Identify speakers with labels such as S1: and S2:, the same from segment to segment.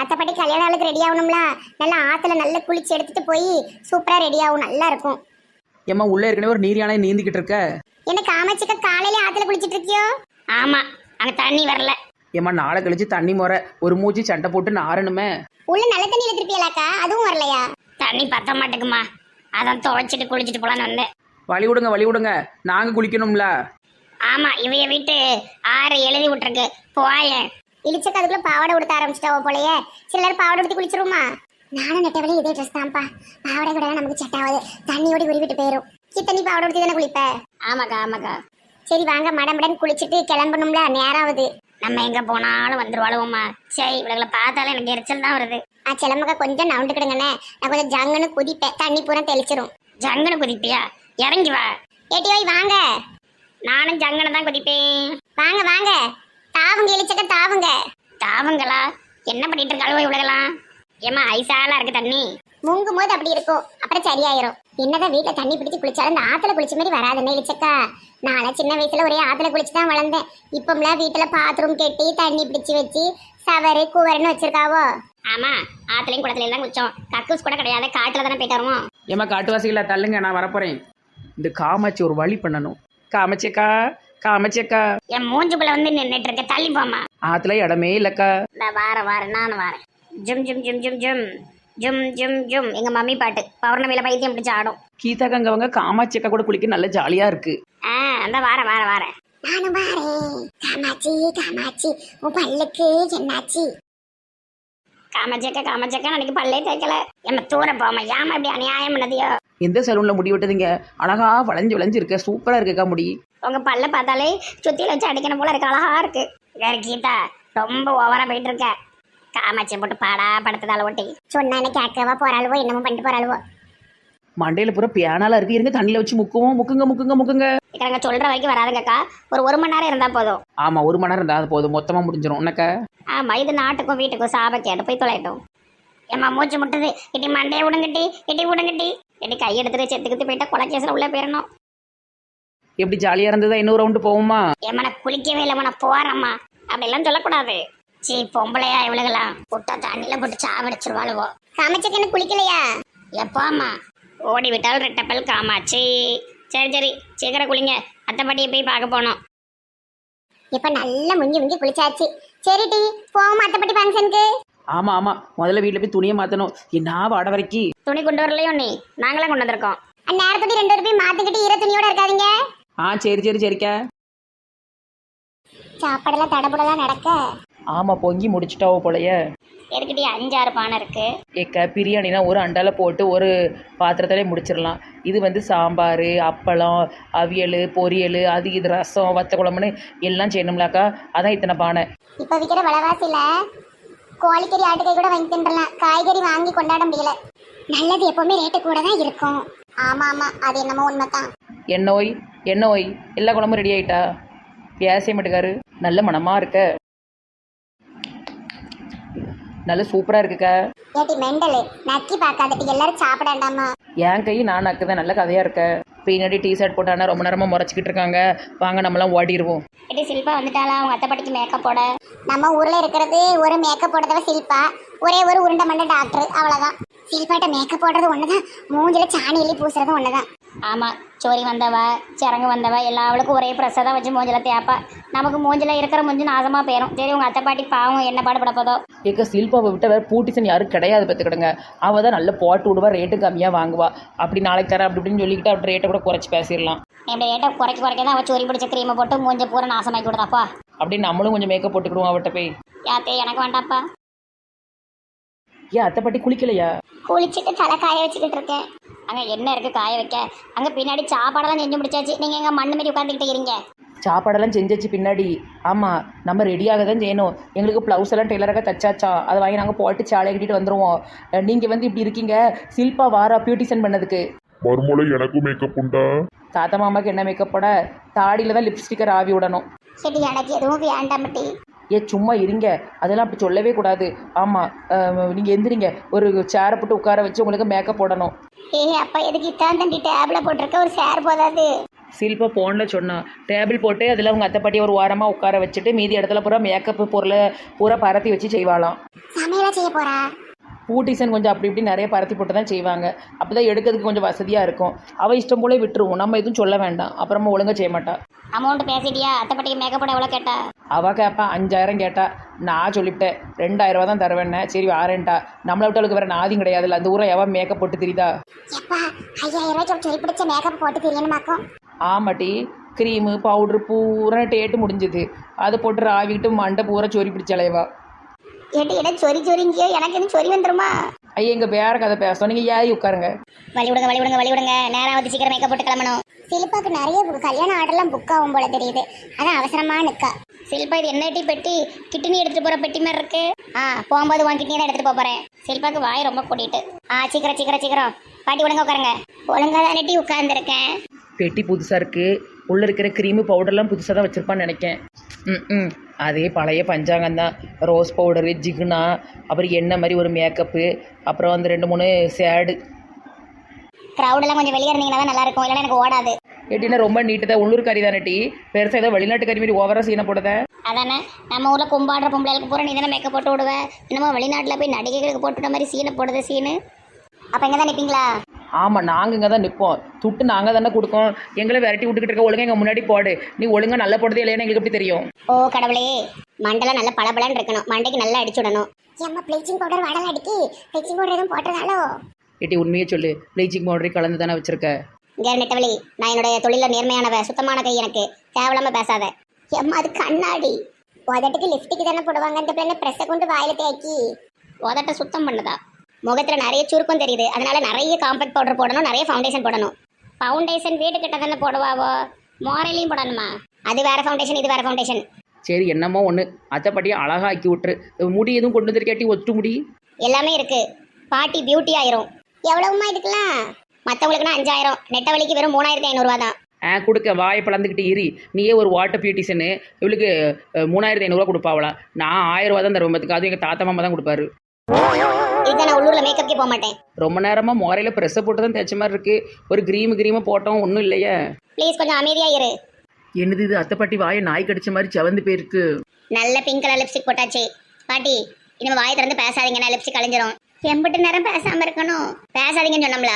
S1: அத்தைப்பட்டி கல்யாண நாளுக்கு ரெடி ஆகணும்ல, நல்லா ஆத்துல நல்லா குளிச்சு எடுத்துட்டு போய் சூப்பரா ரெடி ஆகும், நல்லா இருக்கும்.
S2: ஏம்மா உள்ளே ஏற்கனவே ஒரு நீர் யானை நீந்திக்கிட்டு இருக்க.
S1: என்ன காமாட்சிக்கா காலையில ஆத்துல குளிச்சிட்டு இருக்கியோ?
S3: ஆமா, அங்க தண்ணி வரல.
S2: ஏம்மா நாளை கழிச்சு தண்ணி முறை ஒரு மூச்சு சண்டை போட்டு நாரணுமே.
S1: உள்ள நல்ல தண்ணியில திருப்பியலாக்கா, அதுவும் வரலையா?
S3: தண்ணி பத்த மாட்டேங்குமா, அதான் துவைச்சிட்டு குளிச்சுட்டு போலான்னு வந்தேன்.
S2: வழி விடுங்க, நாங்கள் குளிக்கணும்ல.
S3: ஆமா, இவைய வீட்டு ஆறு எழுதி விட்டுருக்கு போயேன்.
S1: இழிச்சக்க அதுக்குள்ள பாவாடை உடுத்த ஆரம்பிச்சிட்டாவோ போலயே. சில நேரம் பாவாடை உடுத்தி குளிச்சிருமா? நானும் நெட்டவளையும் இதே ட்ரெஸ் தான்ப்பா. பாவாடை கூட நமக்கு செட் ஆகாது, தண்ணியோட உருவிட்டு போயிடும். தண்ணி பாவாடை உடுத்தி தானே குளிப்ப?
S3: ஆமாக்கா.
S1: சரி வாங்க, மடமடன் குளிச்சுட்டு கிளம்பணும்ல, நேராவது.
S3: நம்ம எங்க போனாலும் வந்துருவாளுவோம்மா. சரி, இவளை பார்த்தாலும் எனக்கு எரிச்சல் தான் வருது.
S1: சிலம்பக்கா கொஞ்சம் நவுண்டுக்கிடுங்கண்ணே, நான் கொஞ்சம் ஜங்குன்னு குதிப்பேன், தண்ணி பூரா தெளிச்சிரும்.
S3: ஜங்கன குதிப்பியா? இறங்கி வா.
S1: ஏட்டி ஓய் வாங்க.
S3: நானும் ஜங்கனை தான் குதிப்பேன்.
S1: வாங்க வாங்க, தாவுங்க இழிச்சக்க தாவுங்க.
S3: தாவங்களா? என்ன பண்ணிட்டு இருக்காளுவோ இவ்வளவுலாம்? ஏமா ஐசாலா இருக்கு தண்ணி.
S1: முங்கும் போது அப்படி இருக்கும், அப்புறம் சரியாயிரும். என்னதான் வீட்டுல தண்ணி பிடிச்சி குளிச்சாலும் இந்த ஆத்துல குளிச்ச மாதிரி வராதுன்னு இழிச்சக்கா. நான் சின்ன வயசுல ஒரே ஆத்துல குளிச்சுதான் வளர்ந்தேன். இப்பம்லாம் வீட்டுல பாத்ரூம் கட்டி தண்ணி பிடிச்சி வச்சு சவரு கூவருன்னு வச்சிருக்காவோ.
S3: ஆமா, ஆத்துலயும் குளத்துல தான் குளிச்சோம். கக்கூஸ் கூட கிடையாது, காட்டுல தானே போயிட்டு வருவோம்.
S2: ஏம்மா காட்டுவாசிகளா தள்ளுங்க, நான் வரப்போறேன். இந்த காமாட்சி ஒரு வழி பண்ணணும். காமாட்சியக்கா
S3: என் மூஞ்சுக்குள்ள வந்து நின்றுட்டு இருக்க, தள்ளி போமா.
S2: ஆத்துல இடமே இல்லக்கா.
S3: நான் வாரேன், நானும் வாரேன். ஜும் ஜும் ஜும் ஜும் ஜும் ஜும் ஜும் ஜும். எங்க மம்மி பாட்டு பௌர்ணமியில பைத்தியம் பிடிச்சு ஆடும்.
S2: கீதாக்கா அங்கவங்க காமாட்சியக்கா கூட குளிக்க நல்ல ஜாலியா இருக்கு.
S3: அந்த வாரேன்.
S1: நானும் வாரேன். காமாட்சி உன் பல்லுக்கு என்னாச்சு?
S3: காமாச்சக்கா எனக்கு பல்லே தேய்க்கல. எம்ம தூர போமா, ஏமா இப்படி அநியாயம் பண்ணதியோ?
S2: எந்த சலூன்ல முடி விட்டதுங்க? அழகா வளைஞ்சு இருக்க, சூப்பரா இருக்குக்கா முடி.
S3: உங்க பல்ல பார்த்தாலே சுத்தியில வச்சு அடிக்கணும் போல இருக்கு, அழகா இருக்கு. வேற கீதா ரொம்ப ஓவரா போயிட்டு இருக்க. காமாட்சியை போட்டு பாடா படுத்ததால ஒட்டி
S1: சொன்னா என்ன கேட்கவா போறாளுவோ, என்னமோ பண்ணிட்டு போறாளுவோ.
S2: மண்டையில பூரா பியானால இருக்கு, இருங்க தண்ணியில வச்சு முக்குங்க.
S3: இக்கங்க சொல்ற வரைக்கும் வராதுங்கக்கா, ஒரு மணி நேரம் இருந்தா போதும்.
S2: ஆமா, 1 மணி நேரம் இருந்தா அது போதும், மொத்தமா முடிஞ்சிடும் உனக்கா.
S3: ஆமா, இது நாட்டுக்கும் வீட்டுக்கும் சாபக்கேடு, போய் தொலைட்டும். ஏமா மூச்சு முட்டுது, இட்டி மண்டையை விடுங்கட்டி, இட்டி கை எடுத்துட்டு செத்துக்கிட்டு போயிட்டா கொலைக்கேசில் உள்ள போயிடணும்.
S2: எப்படி ஜாலியா இருந்ததா? இன்னொரு ரவுண்டு போவோமா?
S3: ஏமா நான் குளிக்கவே இல்லைம்மா, நான் போறேம்மா. அப்படிலாம் சொல்லக்கூடாது. சீ, பொம்பளையா இவளுகலாம் புட்டா தண்ணியில போட்டு சாவடிச்சிருவாளுவோ.
S1: காமாட்சிக்கு என்ன குளிக்கலையா?
S3: எப்போம்மா? ஓடி விட்டால் ரெட்டப்பல் காமாட்சி. சரி சீக்கிரம் குளிங்க, அத்தைப்பாட்டியை போய் பார்க்க போனோம்.
S1: இப்ப நல்லா முங்கி குளிச்சாச்சு. சரி டி போவோம் அத்தைப்பட்டி ஃபங்க்ஷனுக்கு.
S2: ஆமா முதல்ல வீட்டுல போய் துணியை மாத்தணும். என்ன வாட வரைக்கும்
S3: துணி கொண்டு வரலையோ? நீ நாங்களே கொண்டு வந்திருக்கோம்.
S1: நேரத்துக்கு 2 பேரும் போய் மாத்திக்கிட்டு ஈர துணியோட இருக்காதீங்க.
S2: சரிக்கா.
S1: சாப்பாடெல்லாம் தடபுடலாம் நடக்க.
S2: ஆமா, பொங்கி முடிச்சுட்டாவோ போலயே.
S3: எதுக்கிட்டே 5-6 பானை இருக்கு.
S2: ஏக்கா பிரியாணினா ஒரு அண்டால போட்டு ஒரு பாத்திரத்திலே முடிச்சிடலாம். இது வந்து சாம்பார், அப்பளம், அவியல், பொரியல், அது இது ரசம், வத்த குழம்புன்னு எல்லாம் செய்யணும்லாக்கா. அதான் இத்தனை பானை.
S1: இப்ப விற்கிற விலைவாசியில கோழிக்கறி ஆட்டுக்கறி கூட வாங்கி தின்றலாம், காய்கறி வாங்கி கொண்டாட முடியல. நல்லது எப்பவுமே ரேட்டு கூட தான் இருக்கும். ஆமா அது என்னமோ உண்மைதான்.
S2: என்ன ஓய் எல்லா குழம்பும் ரெடி ஆயிட்டா? பேச மாட்டுக்காரு. நல்ல மனமா இருக்க, நல்ல சூப்பரா இருக்குக்கா.
S1: ஏட்டி மெண்டலு, நக்கி பார்க்காதட்டி, எல்லாரும் சாப்பிடாண்டாமா?
S2: என் கை நான் நக்குதான், நல்ல கதையா இருக்க. பின்னாடி ஷர்ட் போட்டானா ரொம்ப நேரமா முறைச்சிக்கிட்டு இருக்காங்க. வாங்க நம்மளாம் ஓடிடுவோம்.
S3: ஏட்டி சில்பா வந்துட்டாளா? அவங்க அத்தைப்பாட்டிக்கு மேக்கப் போட.
S1: நம்ம ஊர்ல இருக்கிறது ஒரு மேக்கப் போடுறதவ சில்பா, ஒரே ஒரு உருண்டை மண்ட டாக்டர், அவ்வளவுதான். சில்பாட்ட மேக்கப் போடுறது ஒண்ணுதான், மூஞ்சில சாணி எலி பூசுறது ஒண்ணுதான்.
S3: ஆமா, சோரி வந்தவ சிறங்கு வந்தவ எல்லா அவளுக்கும் ஒரே பிரசாதம் வச்சு மூஞ்சில தேப்பா. நமக்கு மூஞ்சில இருக்கிற மூஞ்சி நாசமா போயிடும். சரி, உங்க அத்தைப்பாட்டி பாவம் என்ன பாடுபட போதோ.
S2: ஏக்க சில்பாவை விட்ட வேற பூட்டிசன் யாரும் கிடையாது பார்த்துக்கிடுங்க. அவள் தான் நல்ல போட்டு விடுவா, ரேட்டு கம்மியாக வாங்குவா. அப்படி நாளைக்கு தரேன் அப்படி இப்படின்னு சொல்லிக்கிட்டு அப்படி ரேட்டை கூட குறைச்சி பேசிடலாம்.
S3: இப்படி ரேட்டை குறைக்க தான் அவள் சோரி பிடிச்ச கிரீமை போட்டு மூஞ்ச பூரா நாசமாக்கி விடுறாப்பா.
S2: அப்படின்னு நம்மளும் கொஞ்சம் மேக்கப் போட்டுக்கிடுவோம் அவட்ட போய்.
S3: யாத்தே எனக்கு வேண்டாப்பா.
S2: ஏன் அத்தைப்பாட்டி குளிக்கலையா?
S1: குளிச்சுட்டு தலை காய வச்சுக்கிட்டு இருக்கேன்.
S3: அங்க என்ன இருக்கு காய வைக்க? அங்க பின்னாடி சாப்பாடெல்லாம் செஞ்சு முடிச்சாச்சு. நீங்க எங்க மண்ணு மாரி உட்காந்துக்கிட்டு இருக்கீங்க.
S2: சாப்பாடெல்லாம் செஞ்சாச்சு பின்னாடி. ஆமாம், நம்ம ரெடியாக தான் செய்யணும். எங்களுக்கு ப்ளவுஸ் எல்லாம் டெய்லராக தச்சாச்சா, அதை வாங்கி நாங்கள் போட்டு சாலை கட்டிட்டு வந்துடுவோம். நீங்கள் வந்து இப்படி இருக்கீங்க. சில்பா வாரா பியூட்டிஷன் பண்ணதுக்கு.
S4: மறுமொழி எனக்கும் மேக்கப் உண்டா?
S2: தாத்தா மாமாவுக்கு என்ன மேக்கப் போட? தாடியில் தான் லிப்ஸ்டிக்கர் ஆவி விடணும்.
S1: சரி, எனக்கு எதுவும் வேண்டாமட்டி.
S2: சும்மா இருங்க, அதெல்லாம் அப்படி சொல்லவே கூடாது. ஆமாம், நீங்கள் எந்திரிங்க, ஒரு சேரை போட்டு உட்கார வச்சு உங்களுக்கு மேக்கப் போடணும்.
S1: அப்பா எதுக்கு இத்தான் தண்டி டேப்ல போட்டிருக்க? ஒரு சேர் போதாது?
S2: சில்பா ஃபோனில் சொன்னா டேபிள் போட்டு அதில் அவங்க அத்தை பாட்டி ஒரு ஓரமாக உட்கார வச்சுட்டு மீதி இடத்துல பூரா மேக்கப் பொருளை பூரா பரத்தி வச்சு செய்வாளாம்.
S1: சமையலா செய்ய போறா?
S2: பூட்டிசன் கொஞ்சம் அப்படி இப்படி நிறைய பரத்தி போட்டு தான் செய்வாங்க. அப்போ தான் எடுக்கிறதுக்கு கொஞ்சம் வசதியாக இருக்கும். அவள் இஷ்டம் போலே விட்டுருவோம், நம்ம எதுவும் சொல்ல வேண்டாம். அப்புறமா ஒழுங்காக செய்ய மாட்டா.
S3: அமௌண்ட் பேசிட்டியா? அத்தைப்பட்டிக்கு மேக்கப் போட எவ்வளோ கேட்டா?
S2: அவள் கேட்பா 5000 கேட்டா. நான் சொல்லிவிட்டேன் 2000 தான் தருவேன்னே. சரி வாரேன்ட்டா. நம்மளை விட்டாளுக்கு வேறு நாதியும் கிடையாதுல்ல. அந்த ஊரை எவன் மேக்கப் போட்டு தெரியுதா?
S1: எப்பா 5000 ரூபாய்க்கு சொல்லி பிடிச்ச மேக்கப் போட்டு தெரியணுமாக்கும்.
S2: ஆமாட்டி, க்ரீமு பவுட்ரு பூரா டேட்டு முடிஞ்சுது. அதை போட்டு ராவிக்கிட்டு மண்டை பூரா சொறி பிடிச்சலைவா.
S3: ஏட்டி இடம் சொறி சொரிங்கியோ எனக்கு எதுவும் சொறி வந்துருமா?
S2: ஐயா இங்கே வேற கதை பேசணும். நீங்கள் ஏறி உட்காருங்க.
S3: வழி விடுங்க. நேரம் வந்து சீக்கிரம் மேக்கப் போட்டு கிளம்பணும்.
S1: சிலிப்பாக்கு நிறைய கல்யாண ஆர்டர்லாம் புக் ஆகும் போல தெரியுது. அதான் அவசரமா நிக்கா.
S3: சில்பா இது என்ன பெட்டி? கிட்னி எடுத்துட்டு போற பெட்டி மாதிரி இருக்கு. போகும்போது உன் கிட்னி தான் எடுத்துட்டு போறேன். சில்பாக்கு வாய் ரொம்ப கூட்டிட்டு. சீக்கிரம் பாட்டி ஒழுங்கா உட்காருங்க. ஒழுங்கா தானே உட்கார்ந்துருக்கேன்.
S2: பெட்டி புதுசாக இருக்குது. உள்ளே இருக்கிற க்ரீமு பவுடர்லாம் புதுசாக தான் வச்சுருப்பான்னு நினைக்கேன். அதே பழைய பஞ்சாங்கம் தான். ரோஸ் பவுடரு, ஜிகுனா, அப்புறம் எண்ணெய் மாதிரி ஒரு மேக்கப்பு, அப்புறம் அந்த 2-3 சேடு.
S3: க்ரௌடெல்லாம் கொஞ்சம் வெளியே இருந்தீங்கன்னா தான் நல்லா இருக்கும். இல்லைன்னா எனக்கு ஓடாது.
S2: எப்படின்னா ரொம்ப நீட்டு தான். உள்ளூர் கறி தானே டீ. பெருசாக ஏதோ வெளிநாட்டு கறி மாதிரி ஓவராக சீனை போடுத.
S3: அதானே நம்ம ஊரில் கும்பாடுற பொம்பளைகளுக்கு பூரா நீ தானே மேக்கப் போட்டு விடுவேன். என்னமோ வெளிநாட்டில் போய் நடிகைகளுக்கு போட்டுட்ட மாதிரி சீனை போடுது சீனு. அப்போ இங்கே தான் நிற்பீங்களா?
S2: ஆமாம், நாங்கள் இங்கே தான் நிற்போம். துட்டு நாங்கள் தானே கொடுக்கோம். எங்களை விரட்டி விட்டுக்கிட்டு இருக்க. ஒழுங்கா எங்கள் முன்னாடி போடு. நீ ஒழுங்கா நல்லா போடுறதே இல்லைன்னு எங்களுக்கு எப்படி தெரியும்?
S3: ஓ கடவுளே, மண்டெல்லாம் நல்லா பளபளன்னு இருக்கணும். மண்டைக்கு நல்லா அடிச்சு விடணும்.
S1: ஏம்மா ப்ளீச்சிங் பவுடர் வடல அடிக்கி ப்ளீச்சிங் பவுடர் எதுவும் போட்டுறதாலோ?
S2: ஏட்டி உண்மையே சொல்லு. ப்ளீச்சிங் பவுடர் கலந்து தானே வச்சிருக்க?
S3: இங்கே நெட்டவழி, நான் என்னுடைய தொழிலில் நேர்மையானவ, சுத்தமான கை எனக்கு. தேவையில்லாமல் பேசாத.
S1: ஏம்மா அது கண்ணாடி. உதட்டுக்கு லிப்ஸ்டிக் தானே போடுவாங்க. அந்த பிள்ளை ப்ரெஸ்ஸை கொண்டு வாயில தேக்கி
S3: உதட்ட சுத்தம் பண்ணுதா? முகத்தில் நிறைய சுருக்கம் தெரியுது. அதனால நிறைய காம்பேக்ட் பவுடர் போடணும், நிறைய ஃபவுண்டேஷன் போடணும். ஃபவுண்டேஷன் வீடு கிட்ட தானே போடுவாவோ, மோரலையும் போடணுமா? அது வேற ஃபவுண்டேஷன், இது வேற ஃபவுண்டேஷன்.
S2: சரி என்னமோ ஒன்று. அத்தைப்பட்டியை அழகாக ஆக்கி விட்டுரு. முடி எதுவும் கொண்டு வந்துருக்காட்டி ஒட்டு முடி
S3: எல்லாமே இருக்கு. பாட்டி பியூட்டி ஆயிரும்.
S1: எவ்வளவுமா இதுக்கெல்லாம்?
S3: மற்றவங்களுக்குன்னா 5000, நெட்டவழிக்கு வெறும் 3500 தான்.
S2: கொடுக்க வாயை பிளந்துக்கிட்டு இரி. நீயே ஒரு வாட்டர் பியூட்டிஷனு. இவளுக்கு 3500 கொடுப்பாவளா? நான் 1000 தான் தருவேன். அதுக்கு எங்கள் தாத்தா மாமா தான் கொடுப்பாரு.
S3: இதுக்கு நான் உள்ளூரில் மேக்கப்கே போக மாட்டேன்.
S2: ரொம்ப நேரமாக முறையில் ப்ரெஸ்ஸை போட்டு தான் தைச்ச மாதிரி இருக்குது. ஒரு க்ரீமு போட்டோம், ஒன்றும் இல்லையே.
S3: ப்ளீஸ் கொஞ்சம் அமைதியா இரு.
S2: என்னது இது? அத்தைப்பாட்டி வாயை நாய் கடிச்ச மாதிரி செவந்து போயிருக்கு.
S3: நல்ல பிங்க் கலர் லிப்ஸ்டிக் போட்டாச்சு. பாட்டி இனிமே வாயை திறந்து பேசாதீங்க, நான் லிப்ஸ்டிக் கலைஞ்சிரும். எம்பிட்டு நேரம் பேசாம இருக்கணும்? பேசாதீங்கன்னு சொன்னோம்ல.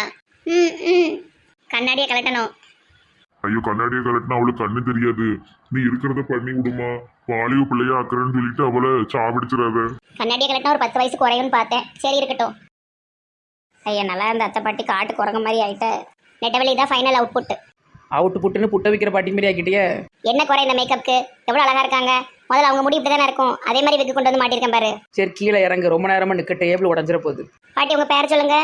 S3: கண்ணாடியை கலட்டணும்.
S4: ஐயோ கண்ணாடியை கலட்டினா அவளுக்கு கண்ணு தெரியாது. நீ இருக்கிறத பண்ணி விடுமா. வாலிப பிள்ளையா ஆக்குறேன்னு சொல்லிட்டு அவளை சாப்பிடிச்சிடாத.
S3: கண்ணாடியை கலட்டினா ஒரு 10 வயசு குறையும்னு பார்த்தேன். சரி இருக்கட்டும். ஐயா நல்லா இருந்த அத்தை பாட்டி காட்டு குரங்க மாதிரி ஆயிட்ட. நெட்டவழி தான் ஃபைனல் அவுட்புட்.
S2: அவுட்டு புட்டுன்னு புட்ட வைக்கிற பாட்டி மாதிரி ஆக்கிட்டியே.
S3: என்ன குறை இந்த மேக்கப்புக்கு? எவ்வளோ அழகா இருக்காங்க. முதல்ல அவங்க முடி இப்படி தானே இருக்கும். அதே மாதிரி விக்கு கொண்டு வந்து மாட்டிருக்கேன் பாரு.
S2: சரி கீழே இறங்கு. ரொம்ப நேரமாக நிற்க டேபிள் உடஞ்சிட போகுது.
S3: பாட்டி உங்க பேர் சொல்லுங்க.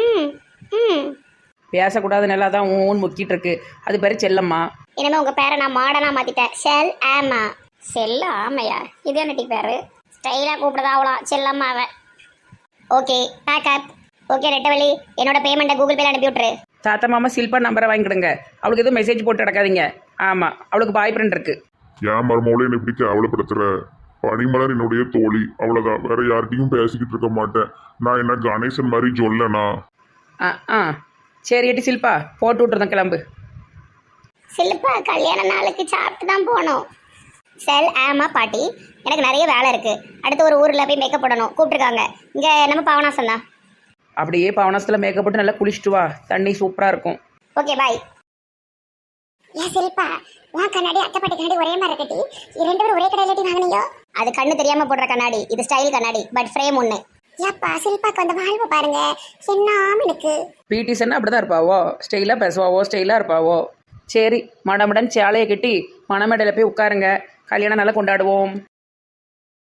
S2: பேசக்கூடாது நல்லா தான் ஊன் முக்கிட்டு இருக்கு. அது பேர் செல்லம்மா.
S3: இனிமே உங்க பேரை நான் மாடனா மாத்திட்டேன். செல் ஆமா. செல்ல ஆமையா? இது என்ன டீ பேரு? ஸ்டைலா கூப்பிடுதா அவளாம் செல்லம்மாவ. Okay pack up. ஓகே நெட்டவழி, என்னோட பேமெண்ட்டை கூகுள் பேல அனுப்பி விட்டுரு.
S2: தாத்தா மாமா சில்பா நம்பரை வாங்கிக்கிடுங்க. அவளுக்கு எதுவும் மெசேஜ் போட்டு கிடக்காதீங்க. ஆமாம், அவளுக்கு பாய் ஃப்ரெண்ட் இருக்கு.
S4: ஏன் மருமவளை என்னை இப்படி கேவலப்படுத்துற? பனிமலர் என்னுடைய தோழி, அவ்வளோதான். வேற யார்கிட்டையும் பேசிக்கிட்டு இருக்க மாட்டேன். நான் என்ன கணேசன் மாதிரி சொல்லனா?
S2: சரி ஏட்டி சில்பா போட்டு விட்டுருந்தேன், கிளம்பு.
S3: சில்பா கல்யாண நாளுக்கு சாப்பிட்டு தான் போகணும். செல் ஆமா பாட்டி, எனக்கு நிறைய வேலை இருக்கு. அடுத்து ஒரு ஊரில் போய் மேக்கப் போடணும், கூப்பிட்டுருக்காங்க. இங்கே நம்ம பாவனாசம் தான்.
S2: அப்படியே பாவனாசத்தில் மேக்கப் போட்டு நல்லா குளிச்சுட்டு வா. தண்ணி சூப்பராக இருக்கும்.
S3: Okay bye.
S1: ஏன் சிரிப்பா? உன் கண்ணாடி அத்தைப்பாட்டி கண்ணாடி ஒரே மாதிரி இருக்கட்டி 2 பேரும் ஒரே கடையில வாங்கினீங்க?
S3: அது கண்ணு தெரியாம போடுற கண்ணாடி. இது ஸ்டைல் கண்ணாடி, பட் ஃப்ரேம் ஒன்று.
S1: ஏப்பா சிரிப்பாக்கு அந்த வாழ்வு பாருங்க என்னாம எனக்கு.
S2: பிடிசன்னா அப்படி தான் இருப்பாவோ, ஸ்டைலாக பேசுவாவோ, ஸ்டைலாக இருப்பாவோ. சரி மடமடன் சேலையை கட்டி மணமேடையில் போய் உட்காருங்க. கல்யாணம் நல்லா கொண்டாடுவோம்.